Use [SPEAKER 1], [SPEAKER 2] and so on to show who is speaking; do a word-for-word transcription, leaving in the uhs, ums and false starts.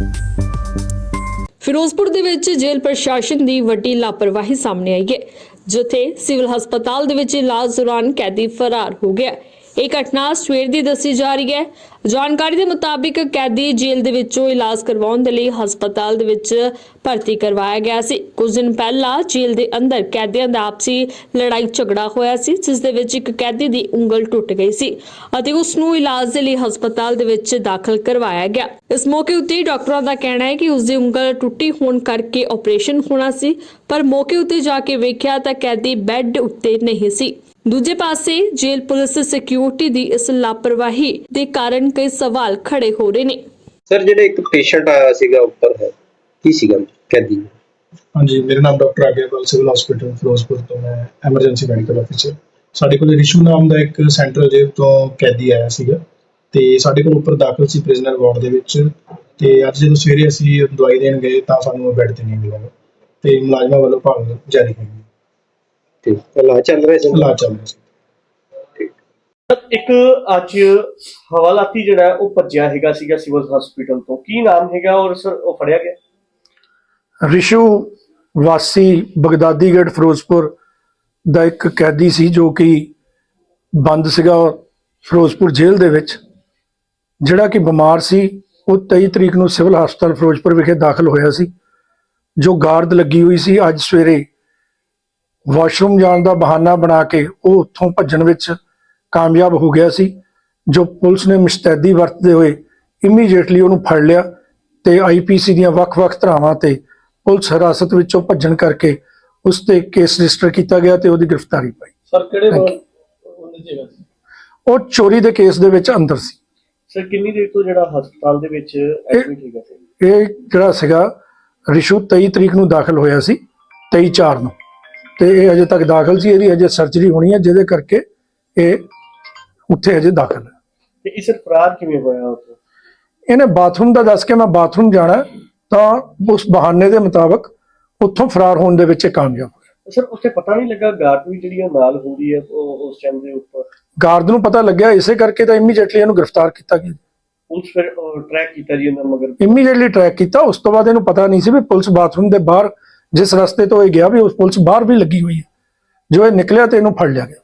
[SPEAKER 1] ਫਿਰੋਜ਼ਪੁਰ ਦੇ ਵਿੱਚ ਜੇਲ੍ਹ ਪ੍ਰਸ਼ਾਸਨ ਦੀ ਵੱਡੀ ਲਾਪਰਵਾਹੀ ਸਾਹਮਣੇ ਆਈ ਹੈ, ਜਿੱਥੇ ਸਿਵਲ ਹਸਪਤਾਲ ਦੇ ਵਿੱਚ ਇਲਾਜ ਦੌਰਾਨ ਕੈਦੀ ਫਰਾਰ ਹੋ ਗਿਆ। ਇਹ ਘਟਨਾ ਸਵੇਰ ਦੀ ਦੱਸੀ ਜਾ ਰਹੀ ਹੈ। ਜਾਣਕਾਰੀ ਦੇ ਮੁਤਾਬਿਕ ਕੈਦੀ ਜੇਲ੍ਹ ਦੇ ਵਿੱਚੋਂ ਇਲਾਜ ਕਰਵਾਉਣ ਦੇ ਲਈ ਹਸਪਤਾਲ ਦੇ ਵਿੱਚ ਭਰਤੀ ਕਰਵਾਇਆ ਗਿਆ ਸੀ। ਕੁਝ ਦਿਨ ਪਹਿਲਾਂ ਜੇਲ੍ਹ ਦੇ ਅੰਦਰ ਕੈਦੀਆਂ ਦਾ ਆਪਸੀ ਲੜਾਈ ਝਗੜਾ ਹੋਇਆ ਸੀ, ਜਿਸ ਦੇ ਵਿੱਚ ਇੱਕ ਕੈਦੀ ਦੀ ਉਂਗਲ ਟੁੱਟ ਗਈ ਸੀ ਅਤੇ ਉਸ ਨੂੰ ਇਲਾਜ ਦੇ ਲਈ ਹਸਪਤਾਲ ਦੇ ਵਿੱਚ ਦਾਖਲ ਕਰਵਾਇਆ ਗਿਆ। ਇਸ ਮੌਕੇ ਉੱਤੇ ਡਾਕਟਰਾਂ ਦਾ ਕਹਿਣਾ ਹੈ ਕਿ ਉਸ ਦੀ ਉਂਗਲ ਟੁੱਟੀ ਹੋਣ ਕਰਕੇ ਆਪਰੇਸ਼ਨ ਹੋਣਾ ਸੀ, ਪਰ ਮੌਕੇ ਉੱਤੇ ਜਾ ਕੇ ਵੇਖਿਆ ਤਾਂ ਕੈਦੀ ਬੈੱਡ ਉੱਤੇ ਨਹੀਂ ਸੀ। ਦੂਜੇ ਪਾਸੇ ਜੇਲ੍ਹ ਪੁਲਿਸ ਸਿਕਿਉਰਿਟੀ ਦੀ ਇਸ ਲਾਪਰਵਾਹੀ ਦੇ ਕਾਰਨ ਕਈ ਸਵਾਲ ਖੜੇ ਹੋ ਰਹੇ ਨੇ।
[SPEAKER 2] ਸਰ, ਜਿਹੜੇ ਇੱਕ ਪੇਸ਼ੈਂਟ ਆਇਆ ਸੀਗਾ ਉੱਪਰ ਹੈ, ਕੀ ਸੀਗਾ ਕੈਦੀ?
[SPEAKER 3] ਹਾਂਜੀ, ਮੇਰਾ ਨਾਮ doctor Agyapal, civil hospital Ferozepur ਤੋਂ ਮੈਂ ਐਮਰਜੈਂਸੀ ਮੈਡੀਕਲ ਅਫਸਰ। ਸਾਡੇ ਕੋਲ ਰਿਸ਼ੂ ਨਾਮ ਦਾ ਇੱਕ ਸੈਂਟਰਲ ਜੇਲ੍ਹ ਤੋਂ ਕੈਦੀ ਆਇਆ ਸੀਗਾ ਤੇ ਸਾਡੇ ਕੋਲ ਉੱਪਰ ਦਾਖਲ ਸੀ ਪ੍ਰਿਜ਼ਨਰ ਵਾਰਡ ਦੇ ਵਿੱਚ। ਤੇ ਅੱਜ ਜਦੋਂ ਸਵੇਰੇ ਅਸੀਂ ਦਵਾਈ ਦੇਣ ਗਏ ਤਾਂ ਸਾਨੂੰ ਬੈੱਡ ਤੇ ਨਹੀਂ ਮਿਲਿਆ ਤੇ ਮੁਲਾਜ਼ਮਾਂ ਵੱਲੋਂ ਭਾਲ ਜਾਰੀ ਹੋਈ।
[SPEAKER 2] ਠੀਕ, ਇਲਾਜ ਚੱਲ ਰਿਹਾ ਸੀ?
[SPEAKER 3] ਇਲਾਜ ਚੱਲ ਰਿਹਾ ਸੀ।
[SPEAKER 4] ਇੱਕ ਅੱਜ ਹਵਾਲਾਤੀ ਜਿਹੜਾ ਉਹ ਭੱਜਿਆ ਹੈਗਾ ਸੀਗਾ ਸਿਵਲ ਹਸਪੀਟਲ ਤੋਂ, ਕੀ ਨਾਮ ਹੈਗਾ ਔਰ ਸਰ ਉਹ ਫੜਿਆ ਗਿਆ?
[SPEAKER 5] ਰਿਸ਼ੂ ਵਾਸੀ ਬਗਦਾਦੀਗੜ੍ਹ ਫਿਰੋਜ਼ਪੁਰ ਦਾ ਇੱਕ ਕੈਦੀ ਸੀ ਜੋ ਕਿ ਬੰਦ ਸੀਗਾ ਫਿਰੋਜ਼ਪੁਰ ਜੇਲ੍ਹ ਦੇ ਵਿੱਚ, ਜਿਹੜਾ ਕਿ ਬਿਮਾਰ ਸੀ। ਉਹ ਤੇਈ ਤਰੀਕ ਨੂੰ ਸਿਵਲ ਹਸਪਤਾਲ ਫਿਰੋਜ਼ਪੁਰ ਵਿਖੇ ਦਾਖਲ ਹੋਇਆ ਸੀ। ਜੋ ਗਾਰਡ ਲੱਗੀ ਹੋਈ ਸੀ, ਅੱਜ ਸਵੇਰੇ ਵਾਸ਼ਰੂਮ ਜਾਣ ਦਾ ਬਹਾਨਾ ਬਣਾ ਕੇ ਉਹ ਉੱਥੋਂ ਭੱਜਣ ਵਿੱਚ ਕਾਮਯਾਬ ਹੋ ਗਿਆ ਸੀ, ਜੋ ਪੁਲਿਸ ਨੇ ਮੁਸਤੈਦੀ ਵਰਤਦੇ ਹੋਏ ਇਮੀਡੀਏਟਲੀ ਉਹਨੂੰ ਫੜ ਲਿਆ ਤੇ ਆਈਪੀਸੀ ਦੀਆਂ ਵੱਖ-ਵੱਖ ਧਾਰਾਵਾਂ ਤੇ ਪੁਲਿਸ ਹਿਰਾਸਤ ਵਿੱਚੋਂ ਭੱਜਣ ਕਰਕੇ ਉਸ ਤੇ ਕੇਸ ਰਜਿਸਟਰ ਕੀਤਾ ਗਿਆ ਤੇ ਉਹਦੀ ਗ੍ਰਿਫਤਾਰੀ ਪਾਈ।
[SPEAKER 4] ਸਰ ਕਿਹੜੇ ਉਹਨੇ ਜਗ੍ਹਾ ਸੀ?
[SPEAKER 5] ਉਹ ਚੋਰੀ ਦੇ ਕੇਸ ਦੇ ਵਿੱਚ ਅੰਦਰ ਸੀ।
[SPEAKER 4] ਸਰ ਕਿੰਨੀ ਦੇਰ ਤੋਂ ਜਿਹੜਾ ਹਸਪਤਾਲ ਦੇ ਵਿੱਚ ਐਡਮਿਟ ਹੈਗਾ ਸੀ?
[SPEAKER 5] ਇਹ ਜਿਹੜਾ ਸੀਗਾ ਰਿਸ਼ੂ ਤੇਈ ਤਰੀਕ ਨੂੰ ਦਾਖਲ ਹੋਇਆ ਸੀ, ਤੇਈ ਚਾਰ ਨੂੰ, ਤੇ ਇਹ ਅਜੇ ਤੱਕ ਦਾਖਲ ਸੀ। ਇਹਦੀ ਅਜੇ ਸਰਜਰੀ ਹੋਣੀ ਹੈ, ਜਿਹਦੇ ਕਰਕੇ ਇਹ ਉੱਥੇ ਅਜੇ ਦਾਖਲ ਹੈ।
[SPEAKER 4] ਤੇ ਇਸ ਫਰਾਰ ਕਿਵੇਂ ਹੋਇਆ ਉੱਥੇ?
[SPEAKER 5] ਇਹਨੇ ਬਾਥਰੂਮ ਦਾ ਦੱਸ ਕੇ ਮੈਂ ਬਾਥਰੂਮ ਜਾਣਾ, ਤਾਂ ਉਸ ਬਹਾਨੇ ਦੇ ਮੁਤਾਬਕ ਉੱਥੋਂ ਫਰਾਰ ਹੋਣ ਦੇ ਵਿੱਚ ਕਾਮਯਾਬ ਹੋਇਆ।
[SPEAKER 4] ਸਰ ਉੱਥੇ ਪਤਾ ਨਹੀਂ ਲੱਗਾ ਗਾਰਡ ਵੀ ਜਿਹੜੀ ਨਾਲ ਹੁੰਦੀ ਹੈ ਉਹ ਉਸ ਟਾਈਮ ਦੇ ਉੱਪਰ?
[SPEAKER 5] ਗਾਰਡ ਨੂੰ ਪਤਾ ਲੱਗਿਆ, ਇਸੇ ਕਰਕੇ ਤਾਂ ਇਮੀਡੀਏਟਲੀ ਇਹਨੂੰ ਗ੍ਰਿਫਤਾਰ ਕੀਤਾ ਗਿਆ।
[SPEAKER 4] ਪੁਲਿਸ ਫਿਰ ਟਰੈਕ ਕੀਤਾ ਜੀ ਉਹਨਾਂ ਮਗਰ?
[SPEAKER 5] ਇਮੀਡੀਏਟਲੀ ਟਰੈਕ ਕੀਤਾ। ਉਸ ਤੋਂ ਬਾਅਦ ਇਹਨੂੰ ਪਤਾ ਨਹੀਂ ਸੀ ਵੀ ਪੁਲਿਸ ਬਾਥਰੂਮ ਦੇ ਬਾਹਰ, ਜਿਸ ਰਸਤੇ ਤੋਂ ਇਹ ਗਿਆ, ਵੀ ਉਸ ਪੁਲਿਸ ਬਾਹਰ ਵੀ ਲੱਗੀ ਹੋਈ ਹੈ। ਜੋ ਇਹ ਨਿਕਲਿਆ ਤੇ ਇਹਨੂੰ ਫੜ ਲਿਆ ਗਿਆ।